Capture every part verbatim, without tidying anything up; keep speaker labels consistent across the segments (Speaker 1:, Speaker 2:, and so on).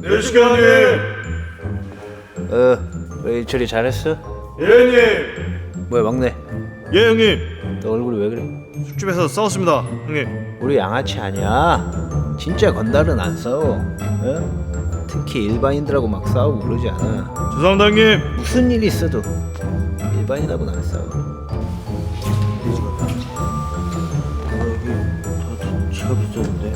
Speaker 1: 네 시간님.
Speaker 2: 어, 왜 처리 잘했어?
Speaker 1: 예 형님.
Speaker 2: 뭐야 막내,
Speaker 1: 예 형님.
Speaker 2: 너 얼굴이 왜 그래?
Speaker 1: 술집에서 싸웠습니다 형님.
Speaker 2: 우리 양아치 아니야. 진짜 건달은 안 싸워. 어? 특히 일반인들하고 막 싸우고 그러지 않아.
Speaker 1: 죄송합니다 형님.
Speaker 2: 무슨 일이 있어도 일반인하고는 안 싸워.
Speaker 3: 지갑 있었는데.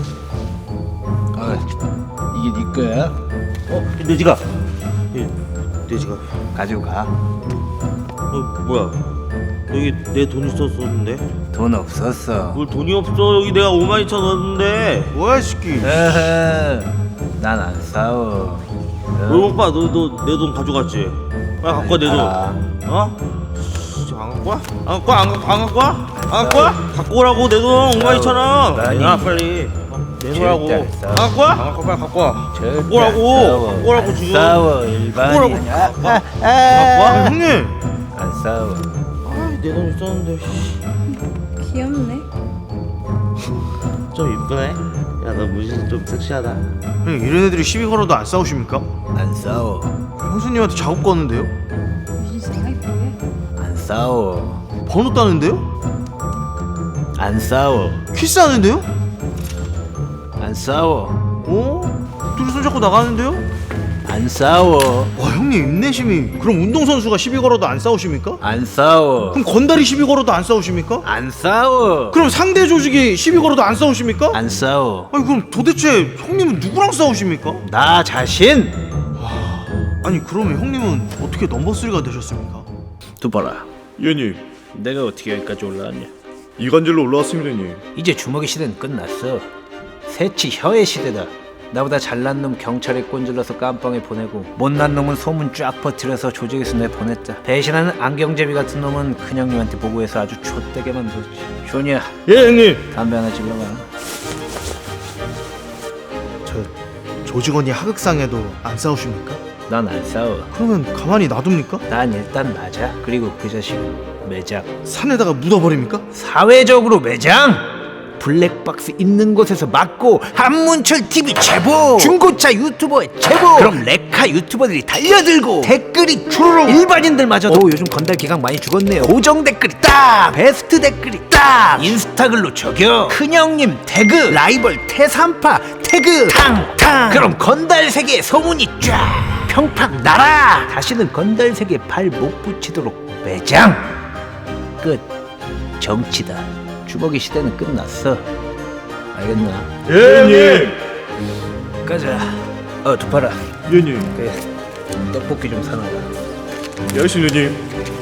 Speaker 2: 아, 이게 네 거야?
Speaker 3: 어? 내 지갑. 예, 내 지갑.
Speaker 2: 가지고 가.
Speaker 3: 어 뭐야? 여기 내 돈 있었었는데.
Speaker 2: 돈 없었어.
Speaker 3: 뭘 돈이 없어? 여기 내가 오만 이천 넣었는데.
Speaker 1: 뭐야 이 새끼.
Speaker 2: 난 안 싸워.
Speaker 3: 왜 오빠 너 너 내 돈 가져갔지? 빨리 갖고 와 내 돈.
Speaker 2: 아,
Speaker 3: 어? 씨, 안 갖고 와? 안 갖고 와? 안 갖고 안 갖고 와? 안 갖고 와? 갖고 오라고 내 돈 오만 이천 원.
Speaker 2: 많이.
Speaker 3: 야 빨리. 어, 내놓으라고.
Speaker 2: 절대 안 싸워.
Speaker 3: 안 갖고 와? 안 갖고 빨리 갖고 와.
Speaker 2: 절대
Speaker 3: 갖고 오라고.
Speaker 2: 안 싸워.
Speaker 3: 갖고 오라고
Speaker 2: 안
Speaker 3: 지금.
Speaker 2: 싸워 일반인.
Speaker 3: 오라고.
Speaker 2: 아,
Speaker 3: 갖고 와.
Speaker 2: 아,
Speaker 3: 갖고
Speaker 2: 아.
Speaker 3: 와.
Speaker 1: 형님.
Speaker 2: 안 싸워.
Speaker 3: 내 돈 있었는데.
Speaker 4: 귀엽네.
Speaker 3: 좀 이쁘네. 야 너 무슨 좀 섹시하다.
Speaker 1: 형님 이런 애들이 시비 걸어도 안 싸우십니까?
Speaker 2: 안 싸워.
Speaker 1: 형수님한테 작업 거는데요?
Speaker 4: 무슨 사이보해?
Speaker 2: 안 싸워.
Speaker 1: 번호 따는데요?
Speaker 2: 안 싸워.
Speaker 1: 키스하는데요?
Speaker 2: 안 싸워.
Speaker 1: 어? 둘이 손잡고 나가는데요?
Speaker 2: 안 싸워.
Speaker 1: 와 형님 인내심이. 그럼 운동선수가 시비 걸어도 안 싸우십니까?
Speaker 2: 안 싸워.
Speaker 1: 그럼 건달이 시비 걸어도 안 싸우십니까?
Speaker 2: 안 싸워.
Speaker 1: 그럼 상대 조직이 시비 걸어도 안 싸우십니까?
Speaker 2: 안 싸워.
Speaker 1: 아니 그럼 도대체 형님은 누구랑 싸우십니까?
Speaker 2: 나 자신.
Speaker 1: 아니 그러면 형님은 어떻게 넘버쓰리가 되셨습니까?
Speaker 2: 두봐라.
Speaker 1: 예님
Speaker 2: 내가 어떻게 여기까지 올라왔냐?
Speaker 1: 이간질로 올라왔습니다 님.
Speaker 2: 이제 주먹의 시대는 끝났어. 새치 혀의 시대다. 나보다 잘난 놈 경찰에 꼰질러서 깜빵에 보내고 못난 놈은 소문 쫙 퍼뜨려서 조직에서 내보냈다. 배신하는 안경제비 같은 놈은 큰형님한테 보고해서 아주 좆되게 만들었지. 쇼니야,
Speaker 1: 예 형님.
Speaker 2: 담배 하나 질러봐.
Speaker 1: 저 조직원이 하극상해도 안 싸우십니까?
Speaker 2: 난 안 싸워.
Speaker 1: 그러면 가만히 놔둡니까?
Speaker 2: 난 일단 맞아. 그리고 그 자식은 매장.
Speaker 1: 산에다가 묻어버립니까?
Speaker 2: 사회적으로 매장. 블랙박스 있는 곳에서 맞고 한문철 티비 제보, 중고차 유튜버의 제보, 그럼 레카 유튜버들이 달려들고 댓글이 주르륵. 일반인들마저도 요즘 건달 기강 많이 죽었네요. 고정 댓글이 딱, 베스트 댓글이 딱, 인스타글로 저격, 큰형님 태그, 라이벌 태산파 태그 탕탕. 그럼 건달 세계에 소문이 쫙 평팍 날아. 다시는 건달 세계에 발 못 붙이도록 매장. 끝. 정치다. 주먹의 시대는 끝났어. 알겠나?
Speaker 1: 예 형님.
Speaker 2: 가자. 어 두파라.
Speaker 1: 예님.
Speaker 2: 그 떡볶이 좀 사놔라.
Speaker 1: 예 형님.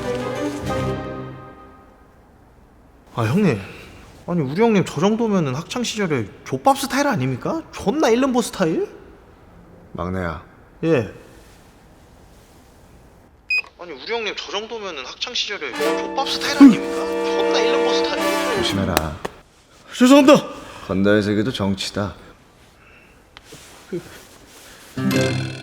Speaker 1: 아 형님. 아니 우리 형님 저 정도면은 학창 시절에 족밥 스타일 아닙니까? 존나 일름보 스타일?
Speaker 5: 막내야,
Speaker 1: 예. 아니 우리 형님 저 정도면은 학창 시절에 족밥 스타일 아닙니까? 존나 일름보 스타일.
Speaker 5: 조심해라.
Speaker 1: 죄송합니다.
Speaker 5: 건달 세계도 정치다.